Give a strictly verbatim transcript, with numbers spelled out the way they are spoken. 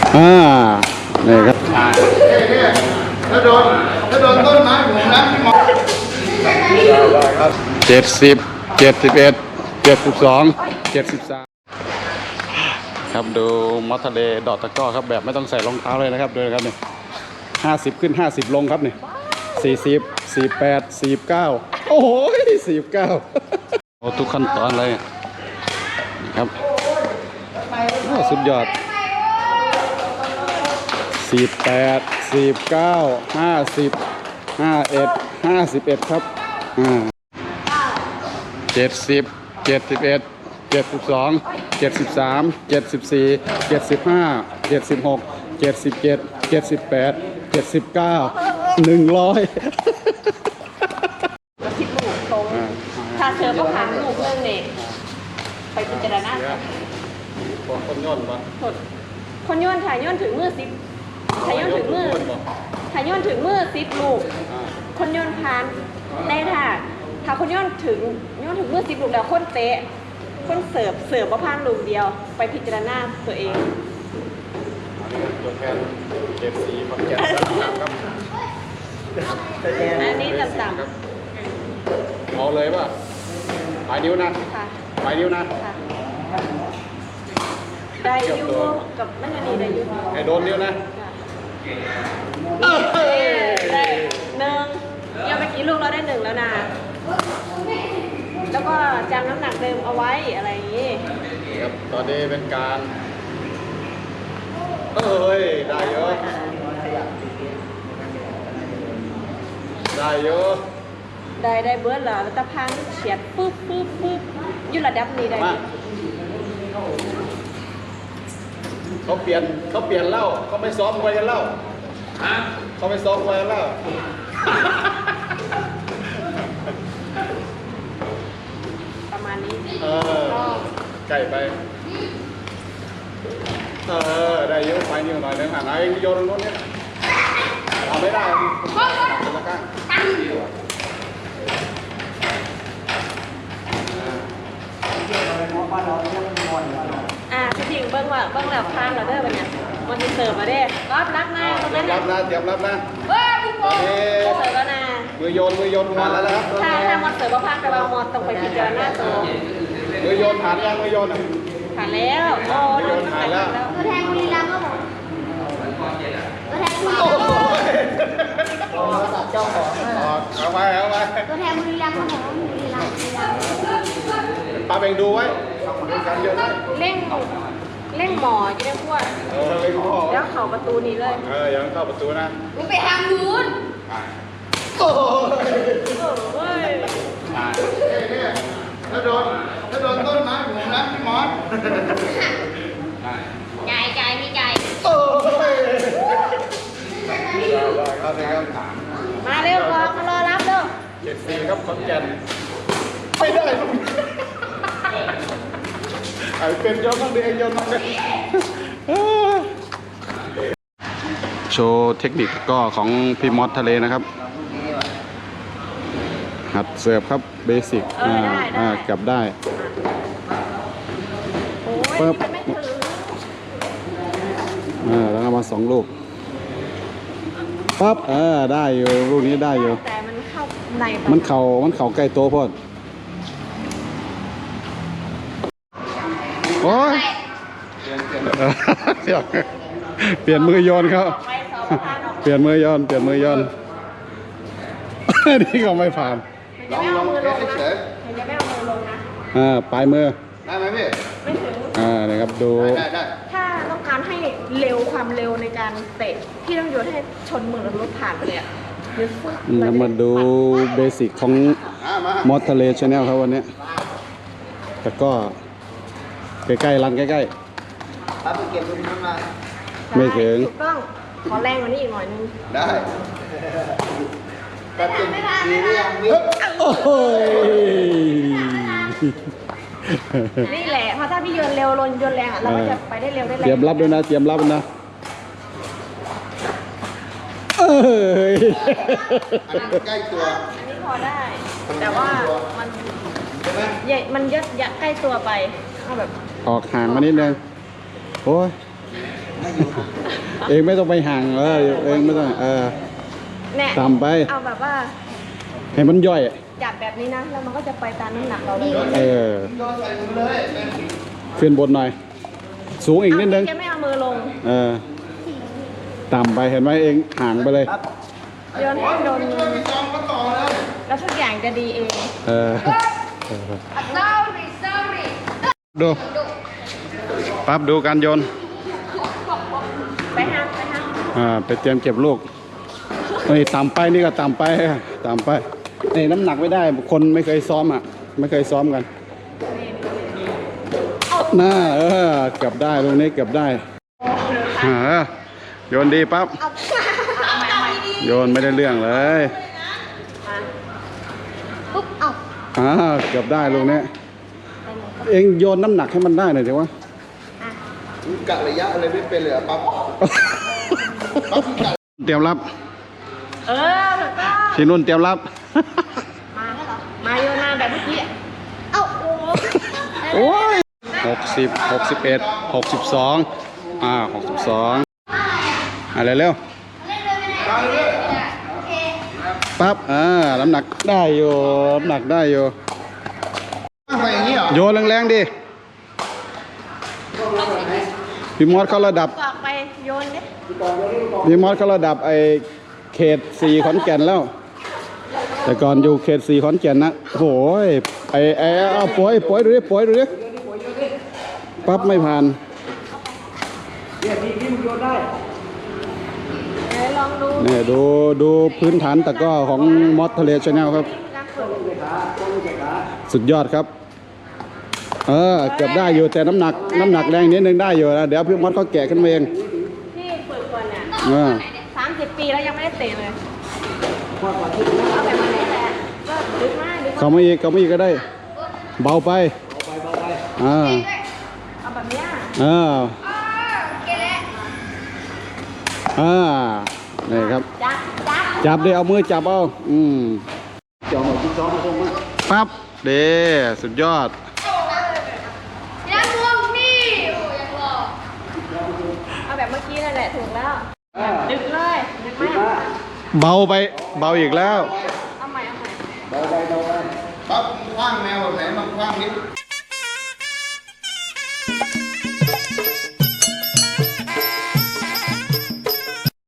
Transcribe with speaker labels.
Speaker 1: อ่านี่ครับ
Speaker 2: ถ้าโดนถ้าโดนต้นไม้ผมนะพี่หมอ
Speaker 1: เจ็ดสิบเจ็ดสิบเอ็ดเจ็ดสิบสองเจ็ดสิบสามครับดูมอสทะเลดอดตะก้อครับแบบไม่ต้องใส่รองเท้าเลยนะครับดูนะครับนี่ห้าสิบขึ้นห้าสิบลงครับนี่สี่สิบสี่แปดสี่เก้าโอ้โหสี่เก้าโอ้ทุกขั้นตอนเลยครับโอ้สุดยอดสี่แปดสี่เก้าห้าสิบห้าเอ็ดห้าสิบเอ็ดครับอ่าเจ็ดสิบเจ็ดสิบเอ็ดเจ็ดสิบสองเจ็ดสิบสามเจ็ดสิบสี่เจ็ดสิบห้าเจ็ดสิบหกเจ็ดสิบเจ็ดเจ็ดสิบแปดเจ็ดสิบเก้าหนึ่งร้อย
Speaker 3: สิบลูกตรงถ้าเธอก็ผ่านลูกเรื่องเนี่ยไปพิจารณา
Speaker 1: คนย่นปะ
Speaker 3: คนโยนถ่ายโยนถึงมือสิบถ่ายโยนถึงมือถ่ายโยนถึงมือสิบลูกคนโยนผ่านในถ้าถ้าคนโยนถึงโยนถึงมือสิบลูกแล้วคนเตะคนเสิร์ฟเสิร์ฟมาผ่านลูกเดียวไปพิจารณาตัวเอง
Speaker 1: ตัวแทนเก็บสีขอนแก่นครับ
Speaker 3: อันนี้ต่ำ
Speaker 1: ๆเอาเลยป่ะปลายนิ้วนะปลายนิ้วนะ
Speaker 3: ได้ยูกับไม่กันดีได้ยู
Speaker 1: ให้โดนนิ้วนะ
Speaker 3: ได้หนึ่งยังเมื่อกี้ลูกเราได้หนึ่งแล้วนะแล้วก็จำน้ำหนักเดิมเอาไว้อะไรอย่างนี้
Speaker 1: ครับตอนนี้เป็นการเอ้ยได้เยอะได้เยอะ
Speaker 3: ได้ได้เบิร์ดเหรอแล้วตะพังเฉียดปุ๊บปุ๊บปุ๊บอยู่ระดับนี้ได้
Speaker 1: เขาเปลี่ยนเขาเปลี่ยนเล่าเขาไม่ซ้อมมวยกันเล่าเขาไม่ซ้อมมวยกันเล่า
Speaker 3: ประมาณนี้
Speaker 1: เออไก่ไปเออได้เยอะไปนิดหน่อยนึงอ่ะไหนโยนตรงนู้นเนี่ยทำไม่ได้เป็นละกัน
Speaker 3: อ่าพี่ถิงเบิ้งว่าเบิ้งแล้วพานเราเด้อเป็นยังมันจะเสิร์ฟมาเด้รับรับหน้าตรงนั้น
Speaker 1: รับนะเตรียมรับนะ
Speaker 3: เฮ้ยพี่โป้เสิร์ฟแล้วนะ
Speaker 1: มือโยนมือโยนผ่านแล้วนะครับ
Speaker 3: ถ้าถ้ามันเสิร์ฟว่าพานกับเราหมดต้องไปพิจารณาตัว
Speaker 1: มือโยนผ่านยังมือโยนอ่ะ
Speaker 3: ผ่านแล้วโอ้
Speaker 1: โยนผ่านแล้ว
Speaker 4: ตัวแทนบุรีรัมย์ครับผมตัวแทนบุรีรัมย์
Speaker 1: เจ้าของเอาไปเอาไป
Speaker 4: ตัวแทนบุรีรัมย์ครับผมบุรีรัมย์บุรีรัมย์
Speaker 1: ปาเบ่งดูไว้
Speaker 3: เร่งเร่งหมอจะได้พูด
Speaker 1: เออเร่งหมอ
Speaker 3: แล้วเข้าประตูนี้เลย
Speaker 1: เออยังเข้าประตูนะ
Speaker 4: มึงไปทางนู้น
Speaker 1: โอ้
Speaker 3: ย
Speaker 2: ถ้าโดนถ้าโดนต้นไม้ผมนะพี่หมอ
Speaker 4: ใจใจไม่ใจ
Speaker 1: โอ้ย
Speaker 3: มาเร็วรอมารอรับเร็ว
Speaker 1: เจ็ดสี่ครับขอนแก่นไม่ได้ไอ้เป็นยอดมั่งดิไอ้ยอดมั่งดิโชว์เทคนิคก็ของพี่มอสทะเลนะครับหัดเสิร์ฟครับเบสิกอ่าอ่ากลับได้
Speaker 3: ปึ๊บ
Speaker 1: อ่าแล้วเอามาสองลูกปั๊บเออได้อยู่ลูกนี้ได้อยู่
Speaker 3: แต่มันเข้าใน
Speaker 1: มันเข่ามันเข่าใกล้โตพ่อโอ้ยเปลี่ยนมือโยนครับเปลี่ยนมือโยนเปลี่ยนมือโยนนี่ก็ไม่ผ่าน
Speaker 3: ลองลองเฉยๆจะไม่เอามือลงนะ
Speaker 1: อ่าปลายมือ
Speaker 2: ได้ไหมพี่
Speaker 3: ไม่ถึง
Speaker 1: อ่านะครับดู
Speaker 2: ได้ได้
Speaker 3: ถ้าต้องการให้เร็วความเร็วในการเตะพี่ต้องโยนให้ชนมือแล้วรถผ่านไปเลยอ่ะ
Speaker 1: เรามาดูเบสิกของมอสทะเลชาแนลครับวันนี้แต่ก็ใกล้ๆรันใกล้
Speaker 2: ๆปั๊บเก็บตรงนั้นมา
Speaker 1: ไม่ถึง
Speaker 3: ถูกต้องขอแรงกว่านี้อีกหน่อยนึง
Speaker 2: ได้แป๊บนึงดีหรือยังวิ
Speaker 1: โอ้
Speaker 3: ยนี่แหละเพราะถ้าพี่โยนเร็วลนโยนแรงอ่ะเราก็จะไปได้เร็วได้แรง
Speaker 1: เตรียมรับด้วยนะเตรียมรับนะเอ้ย
Speaker 2: ใกล้ตัว
Speaker 3: อันนี้พอได้แต่ว่ามันใหญ่มันยัดยัดใกล้ตัวไปเอาแบบ
Speaker 1: ออกห่างมานิดนึงโอ้ยเองไม่ต้องไปห่างเออเองไม่ต้องเออ
Speaker 3: เนี่ย
Speaker 1: ต่ำไป
Speaker 3: เอาแบบว่า
Speaker 1: ให้มันย่อย
Speaker 3: จับแบบนี้นะแล้วมันก็จะไปตามน้ำหนักเราเลย
Speaker 1: เออ
Speaker 2: โยนใส่มือเลยเป็น
Speaker 1: ขึ้นบนหน่อย สูงอีกนิดนึง
Speaker 3: แกไม่เอามือลง
Speaker 1: เออต่ำไปเห็นไหมเองห่างไปเลย
Speaker 3: โยนให้โดนมือ
Speaker 2: พี่จอมก็ต่อเลย
Speaker 3: แล้วทุกอย่างจะดีเอง
Speaker 1: เออ
Speaker 4: sorry sorry
Speaker 1: ดูปั๊บดูการโยน
Speaker 3: ไปห้ามไปห้าม
Speaker 1: อ่าไปเตรียมเก็บลูกนี่ต่ำไปนี่ก็ต่ำไปต่ำไปนี่น้ำหนักไม่ได้คนไม่เคยซ้อมอ่ะไม่เคยซ้อมกันน่าเออเกือบได้ลูกนี้เกือบได้อ่าโยนดีปั๊บโยนไม่ได้เรื่องเลย
Speaker 4: ปุ๊บเอา
Speaker 1: อ่าเกือบได้ลูกนี้เองโยนน้ำหนักให้มันได้หน่อยดีวะ
Speaker 2: กะระยะอะไรไม่เป็นเลยอะปั๊บปั๊บกะ
Speaker 1: เตรียมรับ
Speaker 3: เออถูกต้อง
Speaker 1: ที่นุ่นเตรียมรับ
Speaker 3: มามาโยนมาแบบเมื่อกี้
Speaker 4: เอาโอ้
Speaker 1: โอ้ยหกสิบหกสิบเอ็ดหกสิบสองอ่าหกสิบสองอะไรเร็วปั๊บอ่าน้ำหนักได้อยู่น้ำหนักได้อยู่
Speaker 2: ไปอย่างนี้เหรอ
Speaker 1: โยนแรงๆดิพี่มอสเขาระดับ
Speaker 3: กอกไปโยนดิ
Speaker 1: พี่มอสเขาระดับไอเขตสี่ขอนแก่นแล้ว แต่ก่อนอยู่เขตสี่ขอนแก่นนะโอ้ยไอไอเอาป่วยป่วยดูดิป่วยดูดิปั๊บไม่ผ่าน
Speaker 3: เดี๋ยวลองดู
Speaker 1: เนี่ยดูดูพื้นฐานตะกร้อของมอสทะเลชาแนลครับ
Speaker 3: การฝึก
Speaker 1: สุดยอดครับ เออเกือบได้อยู่แต่น้ำหนักน้ำหนักแรงนิดนึงได้อยู่นะเดี๋ยวพี่มอสเขาแกะขึ้นมาเอง
Speaker 3: ที่ฝึกก่อนเนี่ย
Speaker 1: เออ
Speaker 3: สามสิบปีแล้วยังไม่ได้เตะเลยเอาแบบนี้แหละก็ดึกมากดึก
Speaker 1: เขาไม่อีกเขาไม่อีกก็ได้ เบาไปอ่า
Speaker 3: เอาแบบเนี้ย
Speaker 1: อ่า
Speaker 4: เกล้
Speaker 1: อ่านี่ครับ
Speaker 3: จับจับ
Speaker 1: จับดิเอามือจับเอาอืมปั๊บเด้สุดยอด
Speaker 4: ยังงงนี่โอ้ยังรอ
Speaker 3: เอาแบบเมื่อกี้นั่นแหละถูกแล้วดึกเลยดึกมาก
Speaker 1: เบาไปเบาอีกแล้ว
Speaker 3: เอาใหม่เอาใหม่
Speaker 2: ปั๊บคว้างแมวแบบไหนมันคว้างนิด